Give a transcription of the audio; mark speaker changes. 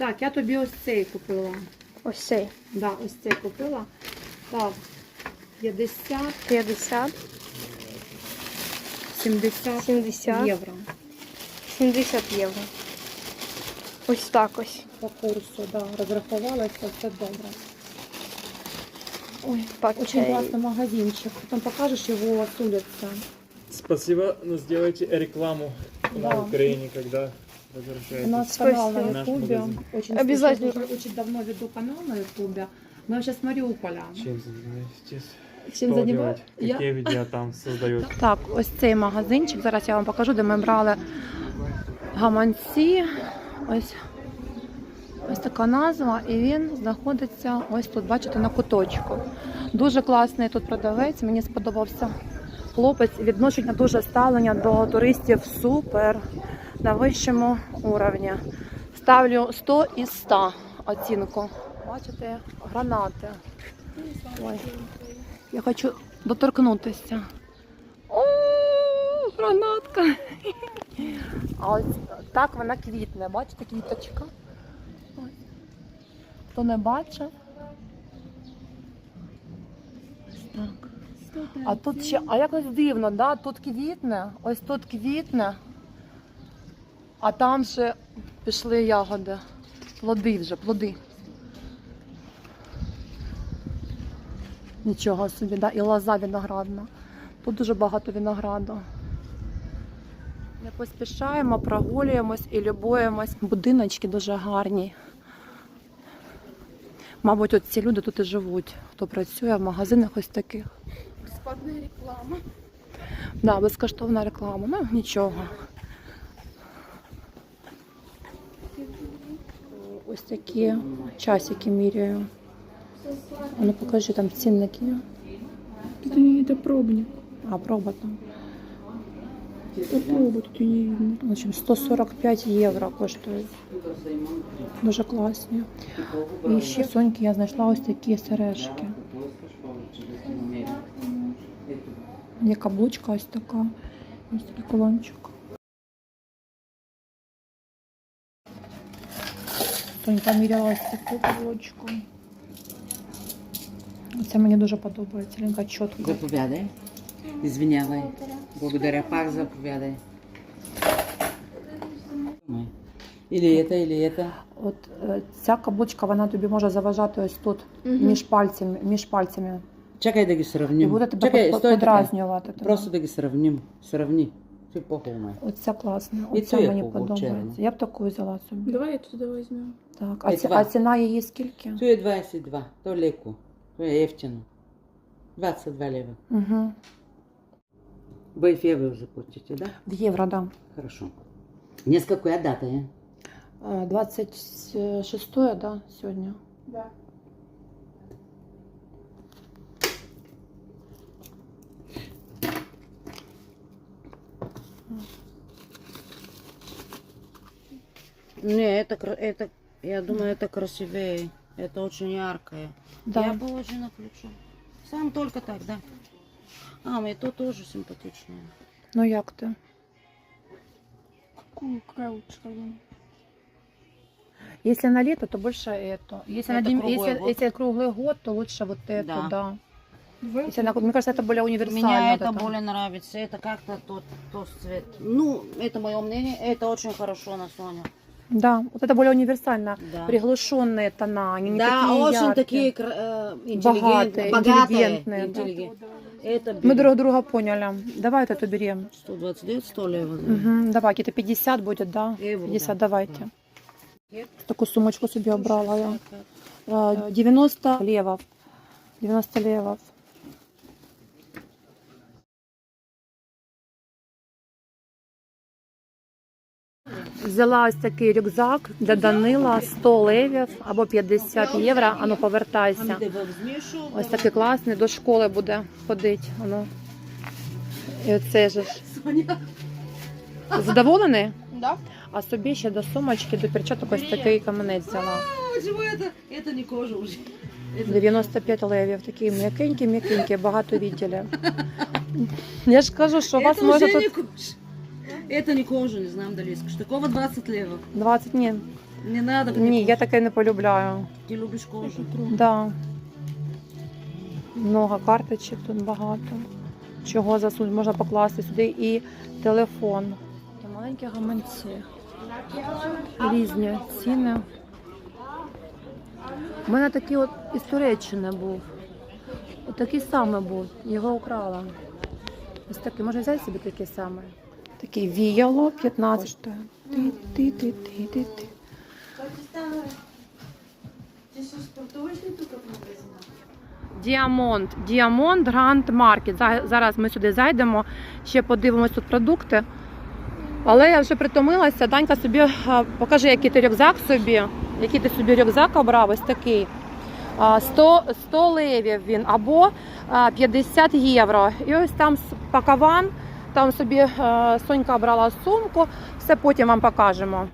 Speaker 1: Так, я тобі ось цей купила.
Speaker 2: Ось цей.
Speaker 1: Да, ось цей купила. Так, 50,
Speaker 2: 50,
Speaker 1: 70,
Speaker 2: 70
Speaker 1: євро.
Speaker 2: 70 євро. Ось так ось.
Speaker 1: По курсу, да, розрахувалася, все добре. Ой,
Speaker 2: Пакет.
Speaker 1: очень классный магазинчик. Потом покажешь его с улицы.
Speaker 3: Спасибо, но сделайте рекламу
Speaker 1: Да.
Speaker 3: на Украине, когда
Speaker 1: У
Speaker 3: возвращаетесь.
Speaker 1: нас канал на
Speaker 2: Спасибо.
Speaker 3: Наш
Speaker 1: Ютубе.
Speaker 3: магазин.
Speaker 1: Очень
Speaker 2: Обязательно.
Speaker 1: слушаю, уже очень давно веду канал на Ютубе. Но я сейчас с Мариуполя.
Speaker 3: Чем занимаетесь?
Speaker 1: Чим
Speaker 3: Что
Speaker 1: займаєтесь?
Speaker 3: делать?
Speaker 1: Я-
Speaker 3: Какие видео там создают?
Speaker 1: Так, ось цей магазинчик. Зараз я вам покажу, де ми брали гаманці. Ось така назва, і він знаходиться ось тут, бачите, на куточку. Дуже класний тут продавець, мені сподобався хлопець. Відношення дуже ставлення до туристів супер, на вищому уровні. Ставлю 100 із 100 оцінку. Бачите, гранати. Ой, я хочу доторкнутися. О, гранатка! А ось так вона квітне, бачите, квіточка. Ось. Хто не бачив? Ось так. А тут ще, а якось дивно, да? Тут квітне, ось тут квітне, а там ще пішли ягоди. Плоди вже, плоди. Нічого собі, да? І лоза виноградна. Тут дуже багато винограду. Не поспішаємо, прогулюємось і любуємось. Будиночки дуже гарні. Мабуть, от ці люди тут і живуть, хто працює в магазинах ось таких.
Speaker 2: Безплатна реклама.
Speaker 1: Да, безкоштовна реклама, ну нічого. Ось такі часики міряю. А ну покажи, там цінники.
Speaker 2: Это пробник.
Speaker 1: А, проба там.
Speaker 2: Это проба, тут и не видно.
Speaker 1: В общем, 145 євро коштують. Дуже класні. І ще в Соньки я знайшла ось такі сережки. Є каблучка ось така. Ось такий кулончик. Сонька міряла ось таку каблучку. Це мені дуже подобається. Лінка чітко.
Speaker 4: Заповядай. Извинявай. Благодаря. Пак заповядай. Или это.
Speaker 1: От ця каблучка, вона тобі може заважати ось тут, між пальцями.
Speaker 4: Чекай да ги
Speaker 1: І
Speaker 4: сравним.
Speaker 1: буде тебе
Speaker 4: Чекай, стой така.
Speaker 1: подразнювати. тебе.
Speaker 4: Просто да ги сравним. Сравни. Ти по-хубаво.
Speaker 1: Оця класна,
Speaker 4: І
Speaker 1: оця
Speaker 4: цю
Speaker 1: мені
Speaker 4: яку
Speaker 1: подобається.
Speaker 4: червону?
Speaker 1: Я б таку взяла собі.
Speaker 2: Давай отсюда возьмем.
Speaker 1: Так.
Speaker 4: Ей, два.
Speaker 1: А ціна її скільки?
Speaker 4: Tu je 22. To леко. To je jeftino. 22 лева.
Speaker 1: Угу.
Speaker 4: Вы в евро заплатите, да?
Speaker 1: В євро, да.
Speaker 4: Хорошо. Днеска коя дата е?
Speaker 1: 26, да, сьогодні?
Speaker 2: Да.
Speaker 4: Не, это, я думаю, это красивее. Это очень яркое.
Speaker 1: Да.
Speaker 4: Я бы очень включу. Сам только так, да? А, и то тоже симпатичное.
Speaker 1: Ну як ти?
Speaker 2: Какая лучше?
Speaker 1: Если на лето, то больше это. Если,
Speaker 4: Это круглый год.
Speaker 1: если круглый год, то лучше вот это,
Speaker 4: Да.
Speaker 1: да.
Speaker 2: Давай.
Speaker 1: Если мне кажется, это более универсально.
Speaker 4: Мне
Speaker 1: вот
Speaker 4: это более нравится. Это как-то тот цвет. Ну, это мое мнение. Это очень хорошо на Соня.
Speaker 1: Да, вот это более универсально.
Speaker 4: Да.
Speaker 1: Приглушенные тона, они не
Speaker 4: Да,
Speaker 1: такие
Speaker 4: очень
Speaker 1: яркие.
Speaker 4: такие
Speaker 1: Богатые, интеллигентные, да.
Speaker 4: Это
Speaker 1: Мы друг друга поняли. Давай вот эту берем.
Speaker 4: 129, 100 лева. Да.
Speaker 1: Угу, давай, где-то 50 будет, да?
Speaker 4: Евро,
Speaker 1: 50,
Speaker 4: да.
Speaker 1: давайте. Таку сумочку собі обрала я. 90 левов. 90 левов. Взяла ось такий рюкзак для Данила, 100 левів або 50 євро. Ану, повертайся. Ось такий класний, до школи буде ходити. Ану. І оце ж. Задоволений?
Speaker 2: Да?
Speaker 1: А собі ще до сумочки, до перчаток ось такий каменець взяла.
Speaker 4: Почему это? Это не кожа уже.
Speaker 1: 95 левів, такі м'якенькі, багато відділів. Я ж кажу, що у вас
Speaker 4: Это
Speaker 1: може
Speaker 4: уже не
Speaker 1: тут
Speaker 4: кожа. Это не кожа, не знаю, Далиска. Такого 20 лева.
Speaker 1: 20, ні,
Speaker 4: Не надо.
Speaker 1: Ні, я таке не полюбляю.
Speaker 4: Ты любишь кожу.
Speaker 1: Да. Много карточок тут багато. Чого засунути, можна покласти сюди і телефон. Та маленькі гаманці. Різні ціни. У мене такий от із Туреччини був. От такий самий був. Його украла. Ось такий. Можна взяти собі такий самий. Такий віяло 15. Ти-ти-ти-ти-ти. Діамонд Гранд Маркет. Зараз ми сюди зайдемо, ще подивимось тут продукти. Але я вже притомилася. Данька собі покажи, який ти рюкзак собі. Який ти собі рюкзак обрав, ось такий. 100 левів він або 50 євро. І ось там пакаван, там собі Сонька брала сумку, все потім вам покажемо.